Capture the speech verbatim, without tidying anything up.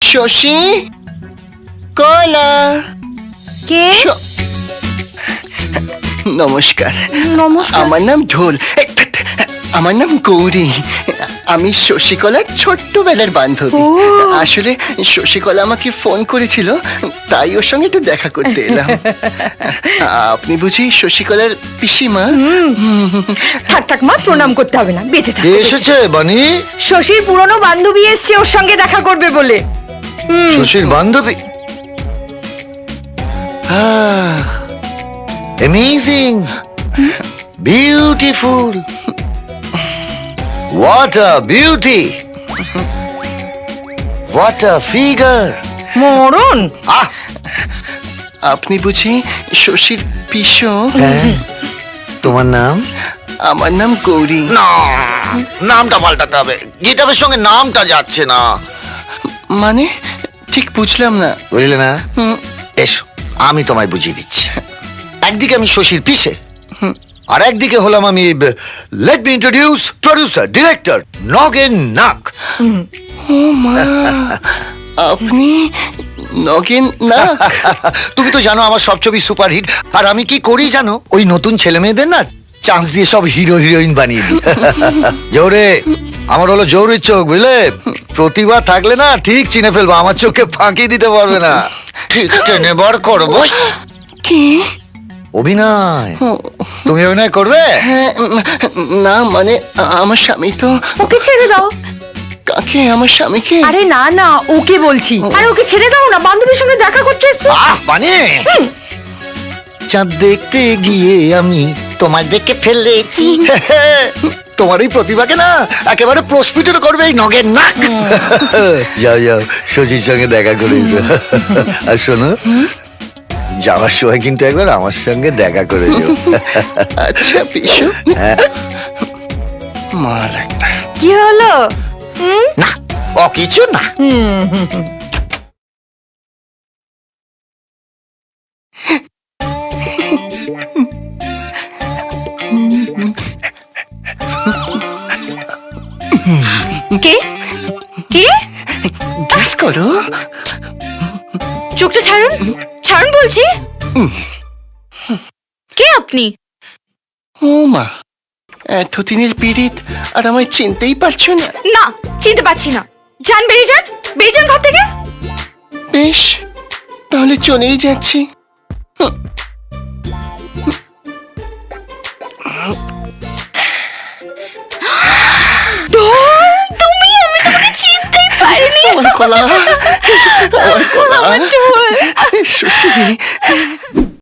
শশী, কলা। কে? নমস্কার। নমস্কার। আমার নাম ঢোল। এ, ধ্যাৎ, আমার নাম গৌরী। আমি শশীকলার ছোট্টবেলার বান্ধবী। ও। আসলে শশীকলা আমাকে ফোন করেছিল, তাই ওর সঙ্গে একটু দেখা করতে এলাম। আপনি বুঝি শশীকলার পিসিমা? থাক থাক মা, প্রণাম করতে হবে না, বেঁচে থাক। কে এসেছে বানি? শশীর পুরনো বান্ধবী এসছে ওর সঙ্গে দেখা করবে বলে। শশীর বান্ধবী? Amazing, beautiful, what a beauty, what a figure. মরণ। আহ, আপনি বুঝি শশীর পিসো? হ্যাঁ, তোমার নাম? আমার নাম গৌরী। না, নামটা পাল্টাতে হবে, গিটারের সঙ্গে নামটা যাচ্ছে না। মানে ঠিক বুঝলাম না। বুঝলে না? হুম, এসো, আমি তোমায় বুঝিয়ে দিচ্ছি। একদিকে আমি শশীর পিসে, আর একদিকে হলাম আমি, let me introduce producer director Nagen Nak. ও মা, আপনি নগেন না? তুমি তো জানো আমার সব ছবি সুপারহিট, আর আমি কি করি জানো? ওই নতুন ছেলে মেয়েদের না চান্স দিয়ে সব হিরো হিরোইন বানিয়ে দিই। জোরে, আমার হলো জৌরির চোখ, বুঝলে? প্রতিভা থাকলে না ঠিক চিনে ফেলবো, আমার চোখে ফাঁকি দিতে পারবে না। ঠিক টেনে বার করবো। কি? অভিনয়। তুমি অভিনয় করবে? হ্যাঁ, না মানে আমার স্বামী তো। ওকে ছেড়ে দাও। কাকে? আমার স্বামীকে? আরে না না, ওকে বলছি। আরে ওকে ছেড়ে দাও না, বান্ধবীর সঙ্গে দেখা করতে এসছে। আহ বানি, চাঁদ দেখতে গিয়ে আমি তোমায় দেখে ফেলেছি। তোমার এই প্রতিভাকে না একেবারে প্রস্ফুটিত করবে এই নগের নাক। যাও যাও, শশীর সঙ্গে দেখা করে এসো। আর শোনো, যাওয়ার সময় কিন্তু একবার আমার সঙ্গে দেখা করে যাও। আচ্ছা পিসু। হ্যাঁ। মার একটা। কি হলো? না, ও কিছু না। কে? কে? গ্যাস করো। চোখটা ছাড়ুন, ছাড়ুন বলছি। কে আপনি? ও মা, এতদিনের পীড়িত আর আমায় চিনতেই পারছো না? না, চিনতে পারছি না। যান, বেরিয়ে যান, বেরিয়ে যান ঘর থেকে। বেশ, তাহলে চলেই যাচ্ছি। তুমি, আমি তোমাকে চিনতেই পারিনি। আমার কলা, আমার কলা। আমার ঢোল। শশী।